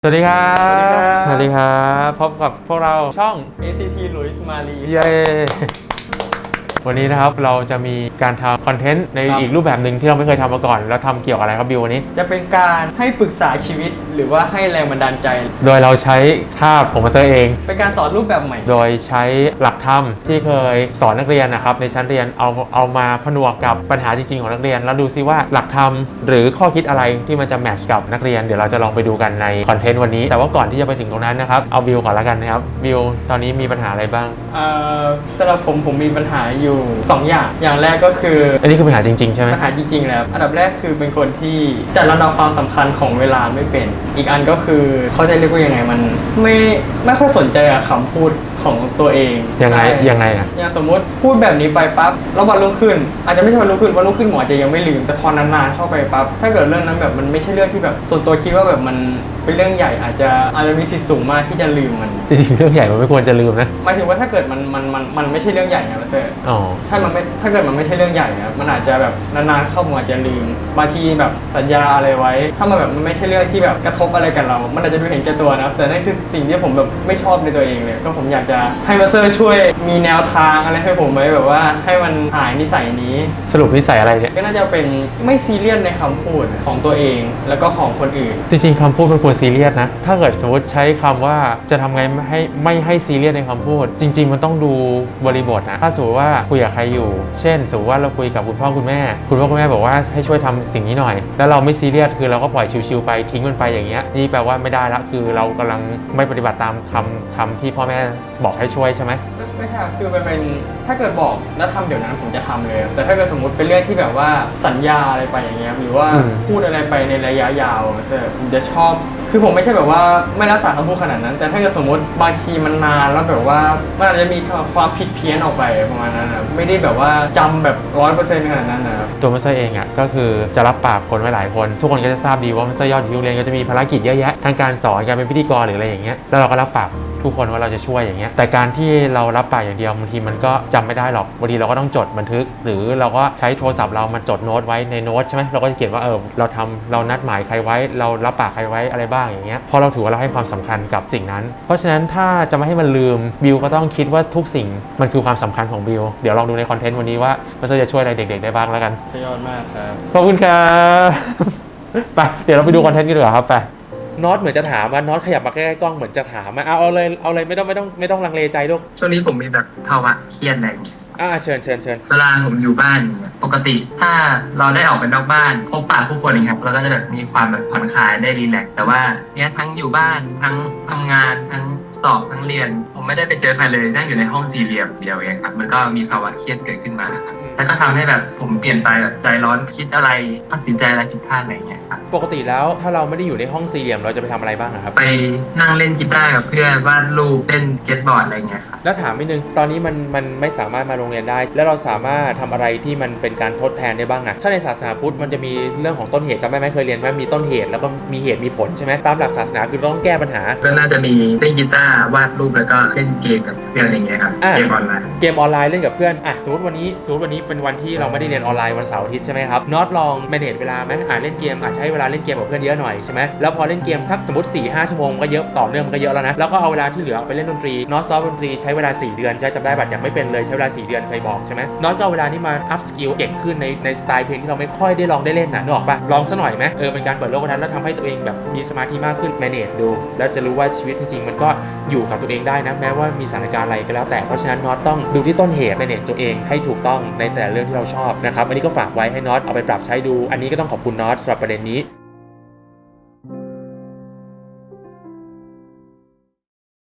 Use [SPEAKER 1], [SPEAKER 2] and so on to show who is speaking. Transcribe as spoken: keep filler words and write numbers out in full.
[SPEAKER 1] สวัสดีครับสวัสดีครับพบกับพวกเราช่อง
[SPEAKER 2] เอ ซี ที Luis Mari
[SPEAKER 1] เย้วันนี้นะครับเราจะมีการทำคอนเทนต์ในอีกรูปแบบหนึ่งที่เราไม่เคยทำมาก่อนแล้วทำเกี่ยวกับอะไรครับบิววันนี้
[SPEAKER 2] จะเป็นการให้ปรึกษาชีวิตหรือว่าให้แรงบันดาลใจ
[SPEAKER 1] โดยเราใช้คาบผมมาเซอร์เอง
[SPEAKER 2] เป็นการสอนรูปแบบใหม่
[SPEAKER 1] โดยใช้หลักธรรมที่เคยสอนนักเรียนนะครับในชั้นเรียนเอาเอามาผนวกกับปัญหาจริงๆของนักเรียนแล้วดูซิว่าหลักธรรมหรือข้อคิดอะไรที่มันจะแมทช์กับนักเรียนเดี๋ยวเราจะลองไปดูกันในคอนเทนต์วันนี้แต่ว่าก่อนที่จะไปถึงตรงนั้นนะครับเอาบิวก่อนละกันนะครับบิวตอนนี้มีปัญหาอะไรบ้าง
[SPEAKER 2] เอ่อสำหรับผมผมมีปัญหาอยู่สองอย่างอย่างแรกก็คือ
[SPEAKER 1] อันนี้คือปัญหาจริงๆใช่ไหม
[SPEAKER 2] ปัญหาจริงๆแล้วอันดับแรกคือเป็นคนที่จัดลำดับความสำคัญของเวลาไม่เป็นอีกอันก็คือเขาจะเรียกว่ายังไงมันไม่ไม่ค่อยสนใจกับคำพูดของตัวเอง
[SPEAKER 1] ยังไงยังไงอ่ะ
[SPEAKER 2] อย่างสมมติพูดแบบนี้ไปปั๊บแล้ววันรุ่งขึ้นอาจจะไม่ใช่วันรุ่งขึ้นวันรุ่งขึ้นหมอจะยังไม่ลืมแต่พอนานๆเข้าไปปั๊บถ้าเกิดเรื่องนั้นแบบมันไม่ใช่เรื่องที่แบบส่วนตัวคิดว่าแบบมันเป็นเรื่องใหญ่อาจจะอาจจะมีสิทธิ์สูงมากที่จะลืมมัน
[SPEAKER 1] จริงๆเรื่องใหญ่มันไม่ควรจะลืมนะ
[SPEAKER 2] หมายถึงว่าถ้าเกิดมันมันมันมันไม่ใช่เรื่องใหญ่นะเซอร์
[SPEAKER 1] อ๋อ
[SPEAKER 2] ใช่มันไม่ถ้าเกิดมันไม่ใช่เรื่องใหญ่นะมันอาจจะแบบนานๆเข้ามาอาจจะลืมบางทีแบบสัญญาอะไรไว้ถ้ามันแบบมันไม่ใช่เรื่องที่แบบกระทบอะไรกับเรามันอาจจะดูเห็นแก่ตัวนะแต่นั่นคือสิ่งที่ผมแบบไม่ชอบในตัวเองเลยก็ผมอยากจะให้มาเซอร์ช่วยมีแนวทางอะไรให้ผมไว้แบบว่าให้มันหายนิสัยนี้
[SPEAKER 1] สรุปนิสัยอะไรเนี่ย
[SPEAKER 2] ก็น่าจะเป็นไม่ซีเรียสในคำพูดของตัวเองแล้วก็ของคนอื่น
[SPEAKER 1] จริงๆคำพูดมันควรซีเรียสนะถ้าเกิดสมมติใช้คำว่าจะทำไงไม่ให้ไม่ให้ซีเรียสในคำพูดจริงๆมันต้องดูบริบทนะถ้าสมมติว่าคุยกับใครอยู่เช่นสมมติว่าเราคุยกับคุณพ่อคุณแม่คุณพ่อคุณแม่บอกว่าให้ช่วยทำสิ่งนี้หน่อยแล้วเราไม่ซีเรียสคือเราก็ปล่อยชิวๆไปทิ้งมันไปอย่างเงี้ยนี่แปลว่าไม่ได้ละคือเรากำลังไม่ปฏิบัติตามคำคำที่พ่อแม่บอกให้ช่วยใช่ไหม
[SPEAKER 2] ไม่ใช่คือมันเป็นถ้าเกิดบอกแล้วทำเดี๋ยวนั้นผมจะทำเลยแต่ถ้าเกิดสมมติเป็นเรื่องที่แบบว่าสัญญาอะไรไปอย่างเงี้ยหรือว่าพูดอะไรไปในระยะยาวผมจะชอบคือผมไม่ใช่แบบว่าไม่รักษาคำพูดขนาดนั้นแต่ถ้าเกิดสมมติบางทีมันนานแล้วแบบว่ามันอาจจะมีความผิดเพี้ยนออกไปประมาณนั้นนะไม่ได้แบบว่าจำแบบร้อยเปอร์เซ็นต์ขนาดนั้นนะครับ
[SPEAKER 1] ตัวมัสเตอร์เองอ่ะก็คือจะรับปากคนไว้หลายคนทุกคนก็จะทราบดีว่ามัสเตอร์ยอดยูเรียนก็จะมีภารกิจเยอะแยะทั้งการสอนการเป็นพิธีกรหรืออะไรอย่างเงี้ยแล้วเราก็รับปากทุกคนว่าเราจะช่วยอย่างเงี้ยแต่การที่เรารับปากอย่างเดียวบางทีมันก็จำไม่ได้หรอกบางทีเราก็ต้องจดบันทึกหรือเราก็ใช้โทรศัพท์เรามาจดโน้ตไว้ในโน้ตใช่ไหมเราก็จะเขียนว่าเออเราทำเรานัดหมายใครไว้เรารับปากใครไว้อะไรบ้างอย่างเงี้ยพอเราถือว่าเราให้ความสำคัญกับสิ่งนั้นเพราะฉะนั้นถ้าจะไม่ให้มันลืมบิวก็ต้องคิดว่าทุกสิ่งมันคือความสำคัญของบิวเดี๋ยวลองดูในคอนเทนต์วันนี้ว่ามันจะช่วยอะไรเด็กๆได้บ้างแล้วกัน
[SPEAKER 2] สุดยอดมากครับ
[SPEAKER 1] ขอบคุณครับไปเดี๋ยวเราไปดูคอนเทนต์กันดีกว่าครับไปน็อตเหมือนจะถามว่าน็อตขยับมาใกล้ๆกล้องเหมือนจะถามมาเอาเอาเลยเอาเลยไม่ต้องไม่ต้องไม่ต้องลังเลใจลูก
[SPEAKER 3] ช่วงนี้ผมมีแบบภาวะเครียดอะไรอย่างเงี้ย
[SPEAKER 1] อ่าเชิญเชิญเชิญ
[SPEAKER 3] เวลาผมอยู่บ้านเนี่ยปกติถ้าเราได้ออกไปนอกบ้านพบปะผู้คนอย่างเงี้ยเราก็จะแบบมีความแบบผ่อนคลายได้รีแลกซ์แต่ว่าเนี้ยทั้งอยู่บ้านทั้งทำงานทั้งสอบทั้งเรียนผมไม่ได้ไปเจอใครเลยนั่งอยู่ในห้องสี่เหลี่ยมเดียวเองครับมันก็มีภาวะเครียดเกิดขึ้นมาครับแล้วก็ทำให้แบบผมเปลี่ยนไปแบบใจร้อนคิดอะไรตัดสินใจอะไรผิดพลาดอะไรอย่างเงี้ยครับ
[SPEAKER 1] ปกติแล้วถ้าเราไม่ได้อยู่ในห้องสี่เหลี่ยมเราจะไปทำอะไรบ้างครับ
[SPEAKER 3] ไปนั่งเล่นกีตาร์กับเพื่อนวาดรูปเล่นสเก็ตบอร์ดอะไรเงี้ยครับ
[SPEAKER 1] แล้วถามนิดนึงตอนนี้มันมันไม่สามารถมาโรงเรียนได้แล้วเราสามารถทำอะไรที่มันเป็นการทดแทนได้บ้างอะถ้าในศาสนาพุทธมันจะมีเรื่องของต้นเหตุจำได้ไหมเคยเรียนไหมมีต้นเหตุแล้วก็มีเหตุมีผลใช่ไหมตามหลักศาสนาคือเราต้องแก้ปัญหา
[SPEAKER 3] ก็น่าจะมีเล่นกีตาร์วาดรูปแล้วก็เล่นเกมกับเพื่อนอย่างเงี้ยครับเกมออนไลน์
[SPEAKER 1] เกมออนไลน์เล่นกับเพื่อนอ่ะสมมติวันนี้สมมติวันนี้เป็นวันที่เราไม่ได้เรียนออนไลน์วันเสาร์อาทิตย์ใช่ไหมครับน็อตลองแมเนจเวลาไหมอ่ะเล่นเกมอาจใช้เวลาเล่นเกมกับเพื่อนเยอะหน่อยใช่ไหมแล้วพอเล่นเกมสักสมมติ สี่ห้า ชั่วโมงก็เยอะต่อเนื่องมันก็เยอะแล้วนะแล้วก็เอาเวลาที่เหลือไปเล่นดนตรีน็อตซ้อมดนตรีใช้เวลาสี่เดือนใช้จำได้บัตรยังไม่เป็นเลยใช้เวลาสี่เดือนเคยบอกใช่ไหมน็อตก็เอาเวลานี้มาอัพสกิลเก่งขึ้นในในสไตล์เพลงที่เราไม่ค่อยได้ลองได้เล่นนะนึกออกปะลองซะหน่อยไหมเออเป็นการเปิดโลกทัศน์แล้วทำให้ตัวเองแบบมีสมาธิมากขึ้นแมเนจดูแล้วจะรู้ว่าชีวิตจริงๆมันก็อยู่กับตัวเองได้นะแม้ว่ามีสถานการณ์อะไรก็แล้วแต่เพราะฉะนั้นน็อตต้องดูที่ต้นเหตุแมเนจตัวเองให้ถูกต้องในแต่เรื่องที่เราชอบนะครับอันนี้ก็ฝากไว้ให้น็อตเอาไปปรับใช้ดูอันนี้ก็ต้องขอบคุณน็อตสำหรับประเด็นนี้